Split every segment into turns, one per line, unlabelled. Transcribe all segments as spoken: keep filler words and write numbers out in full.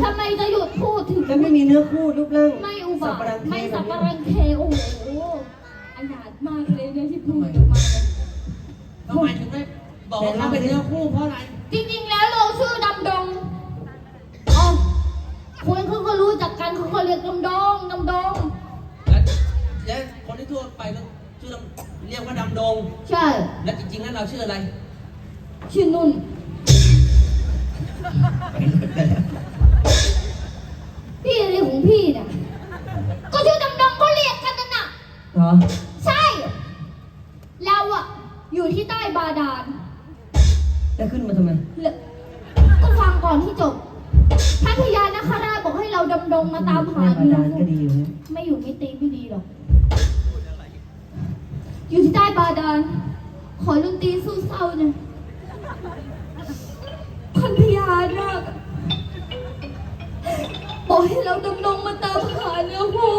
ทำไมจะหยุดพูดถึง
จะไม่มีเนื้อคู่รูปร่าง
ไม่อุบาทไม่สับปะรังเคโอ้โหอนาถมากเลยเนี่ยที่พูดออกมา
ทำไมถึงได้บอกว่าเขาเป็นเนื้อคู่เพราะอะไร
จริงๆแล้วเราชื่อดำดงอ๋อคนเขาก็รู้จักกันเขาก็เรียกดำดงดำดง
แล้วแล้วคนที่ทั่วไปก็ชื่อเรียกว่าดำดง
ใช่
แล้วจริงๆแล้วเราชื่ออะไร
ชื่อนุ่นพี่อะไรของพี่เนี่ยก็ชื่อดำดงก็เรียกกันนั่นน่ะ
เหรอ
ใช่เราอะอยู่ที่ใต้บาดาล
จะขึ้นมาทำไม
ก็ฟังก่อนที่จบท่านพญานาคราชบอกให้เราดำดงมาตามหา
อยู่ก็ดีอยู่
ไม่อยู่ไม่ตีไม่ดีหรอกอยู่ที่ใต้บาดาลขอดนตรีสู้เศร้าเนี่ยท่านพญานาคบอกให้เราดำดงมาตามหาเนื้อคู่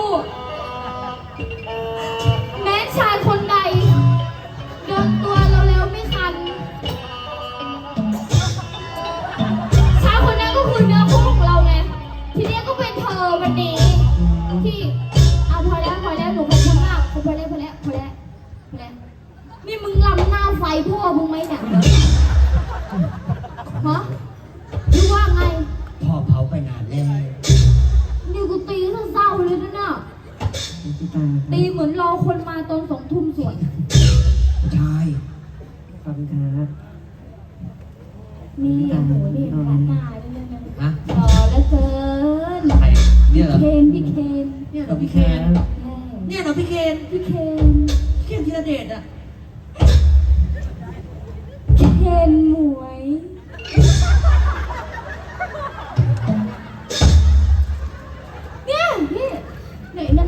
แม้ชายคนใดโดนตัวเราแล้วไม่คันชายคนนั้นก็คือเนื้อคู่ของเราไงทีนี้ก็เป็นเธอวันนี้ที่เอาพอแล้วพอแล้วหนูขอบคุณมากพอแล้วพอแล้วพอแล้วพอแล้วนี่มึงลำหน้าไฟพ่อมึงไหมเนี่ยฮะหรือว่าไง
พ่อเผาไปนานแล้ว
นี่กูตีเศร้าเลยนะเนี่ยตีเหมือนรอคนมาตอนสองทุ่มสวย
ใช่
ขอบคุณครับ
นี่โหนี่ร้านหน้าเลยนะ
ฮะ
รอแล้วเกิน
ใครเนี่ยเหรอ
เคนพี่เคน
เนี่ยเหรอพี่เคนเนี่ยเหรอพี่เคน
พี่เคน
เคนธีรเดชอ่ะ
เคนหมวยเนี่ยนี่ไหนนั่น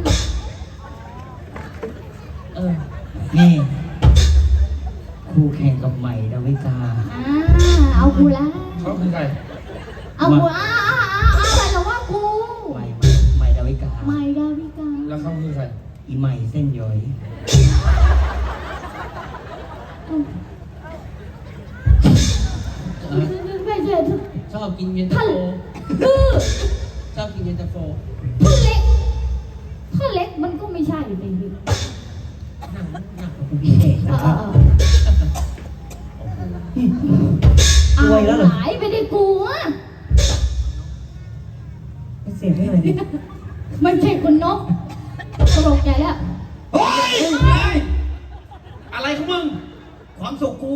เออนี่คู่แข่งกับใหม่ดาวิกา
อ่าเอากูละ
เขาคือใคร
เอากูอ่าอ่าอ่าอะไรหรอว่ากู
ใหม่ใหม่ดาวิกา
ใหม่ดาวิกา
แล้วเขาคือใครอีใหม่เส้นย้อยชอบกินเย็นตาโฟชอบกินเย็นตาโฟ
ถ้าเล็กถ้าเล็กมันก็ไม่ใช่อยู่ในนี้
นั่งนั่งพี่เอกนะครับ
เอาหายไปได้กูอ่ะ
เสียงไม่เลยดิ
มันใช่คุณนกตลกใจแล้ว
เฮ้ยอะไรของมึงความสุขกู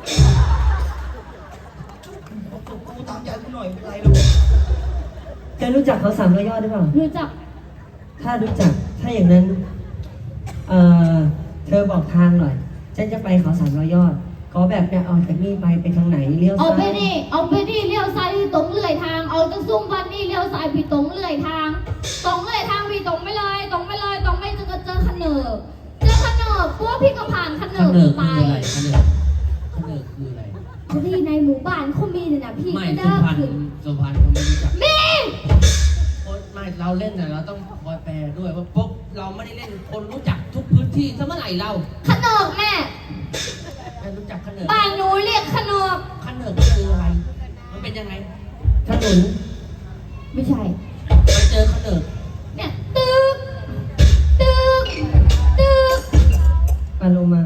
กูตามใจกูหน่อยอะไรลูก
จะรู้จักเขาสามร้อยยอดหรือเปล่า
รู้จัก
ถ้ารู้จักถ้าอย่างนั้นเอ่อเธอบอกทางหน่อยฉันจะไปเขาสามร้อยยอดขอแบบเนี่ยเอาจากนี่ไปไปทางไหนเลี้ยวซ้าย
เอาไปนี่เอาไปนี่เลี้ยวซ้ายที่ตรงเลื่อยทางเอาจากซุ้มบ้านนี่เลี้ยวซ้ายพี่ตรงเลื่อยทางตรงเลื่อยทางพี่ตรงไม่เลยตรงไม่เลยตรงไม่จะเจอขนเนบเจอขนเนบพวกพี่ก็ผ่านขนเนบไป
ขนเนบขนเนบคืออะไร
ที่ในหมู่บ้านเขามีเนี่ยนะพี่
ไม่สุพรรณสุพรรณเขาไม่รู้จัก
มี
ไม่เราเล่นแต่เราต้องคอยแปลด้วยว่าปุ๊บเราไม่ได้เล่นคนรู้จักทุกพื้นที่ซะเมื่อไหร่เรา
ขนเนบแม่
ไม่รู้จักขนเนบ
บ้านหนูเรียกขนเนบ
ขนเนบคืออะไรมันเป็นยังไง
ถนน
ไม่ใช่
ไปเจอขนเนบ
เนี่ยตึกตึกตึก
ปาโลมา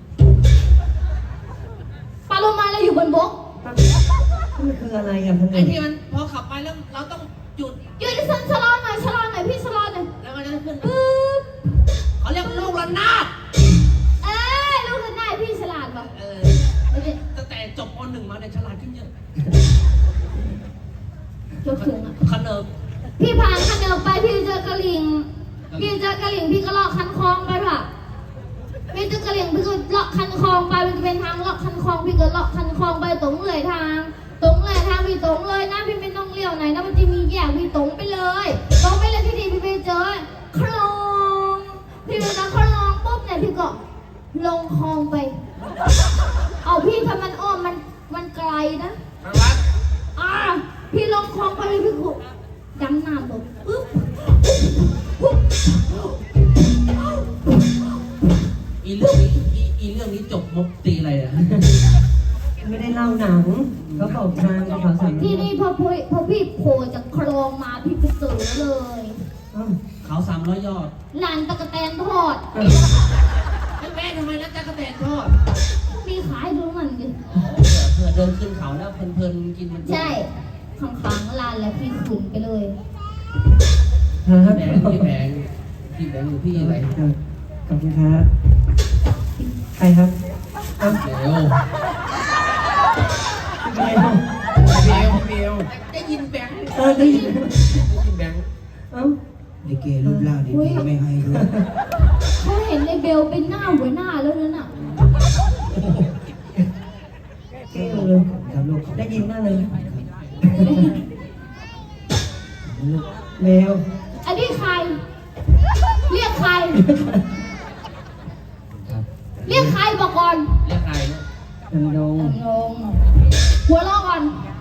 ปาโลมาเราอยู่บนบก
มันคืออะไรอ่ะพัน
ไอที่มันพอขับไปแล้วเราต้องหยุด
หยุดชะชะลอหน่อยชะลอหน่อยพี่ชะลอหน่อย
แล้วมันจะขึ้นปึ๊บเขาเรียกลูกระนาด
เอ้ยลูกระนาดพี่ฉลาดป่ะ
เออตั้งแต่จบป.หนึ่งมาเนี่ยฉลาดขึ้นเยอะ
ยกถึงอ่ะ
ขนเนบ
พี่ผ่านขนเนบไปพี่เจอกระหลิงพี่เจอกระหลิงพี่ก็ลอกคันคลองไปด้วยพี่เจอกระหลิงพี่ก็เลาะคันคลองไปมันจะเป็นทางเลาะคันคลองพี่ก็เลาะคันคลองไปตรงเลยทางตรงเลยทางพี่ตรงเลยนะพี่ไม่ต้องเลี้ยวไหนนะมันจะมีแยกพี่ตรงไปเลยตรงไปเลยที่ดีพี่ไปเจอคลองพี่ไปเจอคลองปุ๊บเนี่ยพี่ก็ลงคลองไปเอาพี่ถ้ามันอ้อมมันมันไกลนะอ่าพี่ลงคลองไปเลยพี่ก็ดำน้ำลงปึ๊บ
อีเรื่องนี้อีเรื่องนี้จบมุกตีอะไรอ่ะ
ไม่ได้เล่าหนังเขาบอกทางเขาสั่ง
ที่นี่พอพี่พอพี่โผล่จากโครงมาพี่ไปซื้อเลย
เอ้า
เขาสามร้อยยอด
ร้านตะกะแตนทอด
เอ้า
ไม่แม่ทำไมนะจ๊ะกระแตนทอด
มีขายดูมันดิ
อ๋อเผื่อเดินขึ้นเขาแล้วเพลินๆกินมัน
ใช่ข้างๆร้านแล้วพี่ขุนไปเลย
ครับ
แบงค์พี่แบงค์พี่แบงค์อยู่พี่อะไร
ขอบคุณครับใครครับเอ้า
เบล
ใครครับ
เบลเบลได้ยินแบงค์
เออได้ยิน
ได้ยินแบงค์
เอ้า
ลิเกรูปร่างดีๆไม่ให้ด้วย
เขาเห็นในเบลเป็นหน้าหัวหน้าแล้วนั่นน่ะ
เก่งเลย
ครับลูก
ได้ยินมากเลยเมล
อันนี้ใคร เรียกใคร
ครับ
เรียกใครบอกก่อน
เรียกใครเนี่ย
ดำดง
งงหัวเราะก่อน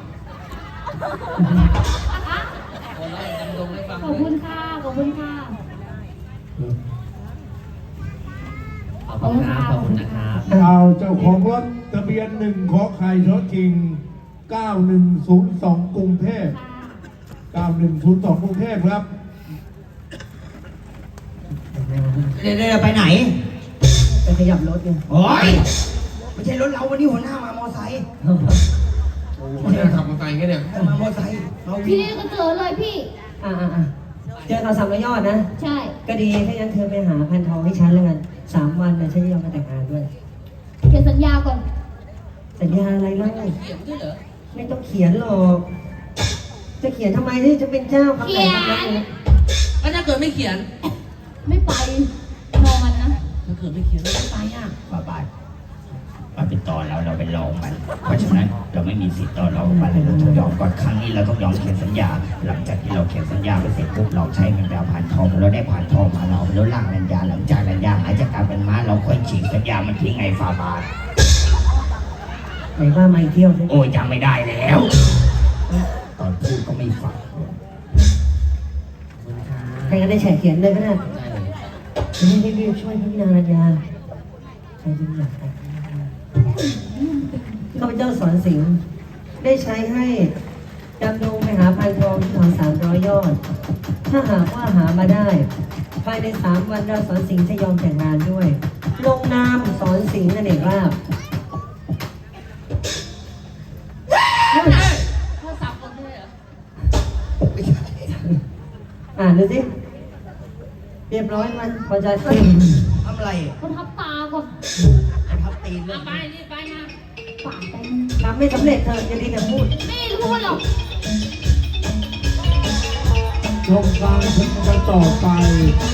คนแรกดำดงให้ฟัง
ขอบคุณค่ะ ขอบคุณค่ะ
ขอบคุณครับขอบคุณนะครับ
เอาเจ้าของรถทะเบียนหนึ่งขอไข่ชอชิงเก้าหนึ่งศูนย์สองกรุงเทพเก้าหนึ่งศูนย์สองกรุงเทพครับ
เดี๋ยวๆไปไหน
ไปขยับรถไง
โอ้ยไม่ใช่รถเราวันนี้หัวหน้ามามอไซค์
โอ้โหเนี่ยขับมอเตอร์ไซค์กันเนี่ย
จะมามอไซค์เรา
พี่นี่ก็เจอเลยพี่
อ่าอ่าอ่าเจอเขาสามร้อยยอดนะ
ใช่
ก็ดีถ้างั้นเธอไปหาพันทองให้ฉันแล้วกันสามวันนะฉันจะยอมมาแต่งงานด้วย
เขียนสัญญาก่อน
สัญญาอะไรเล่า
เขียนด้วยเหรอ
ไม่ต้องเขียนหรอก จะเขียนทำไมที่จะเป็นเจ้าคำไหนคำนั้นเลย
แล้วถ้าเกิดไม่เขียน
ไม่ไปนอนนะ
ถ้าเกิดไม่เขียนแล้วไม่ไปอ่ะ
บาบาทมันเป็นตอนแล้วเราเป็นรองมัน เพราะฉะนั้นเราไม่มีสิทธิ์ตอนเรามันเราต้องยอมก่อนครั้งนี้เราต้องยอมเขียนสัญญา หลังจากที่เราเขียนสัญญาไปเสร็จปุ๊บเราใช้เงินไปเอาผ่านทองเราได้ผ่านทองมาเราแล้วล่างสัญญาหลังจากสัญญาหายจากการเป็นม้าเราค่อยฉีกสัญญามันทิ้งไงฟาบาท
ไหนว่ามาอีกเที่ยวสิ
โอ้ยจำไม่ได้แล้ว ตอนพูดก็ไม่ฟัง
ใครก็ได้แฉเขียนเลยก็ได้
ได้เลย
จะได้รีบๆช่วยพี่นางรัญญาใครจะอยากแต่งงานข้าพเจ้าสอนสิงห์ได้ใช้ให้ดำดงไปหาพันทองที่เขาสามร้อยยอด ถ้าหากว่าหามาได้ ภายในสามวันเราสอนสิงห์จะยอมแต่งงานด้วย ลงนามสอนสิงห์นั่นเองว่า
โทรศัพท์คนด้วยเหรอ
อ่านดูสิ เรียบร้อยมันพอใจเอ้ย
ทำอะไร
คนทับตาก่อน
ทับตีนเล
เอา
ย
ไปรีบไปมา
ปากไป
ทำไม่สำเร็จเธอจะดีแต่พูด
ไม่พูดหรอก
ชมการชมกันต่อไป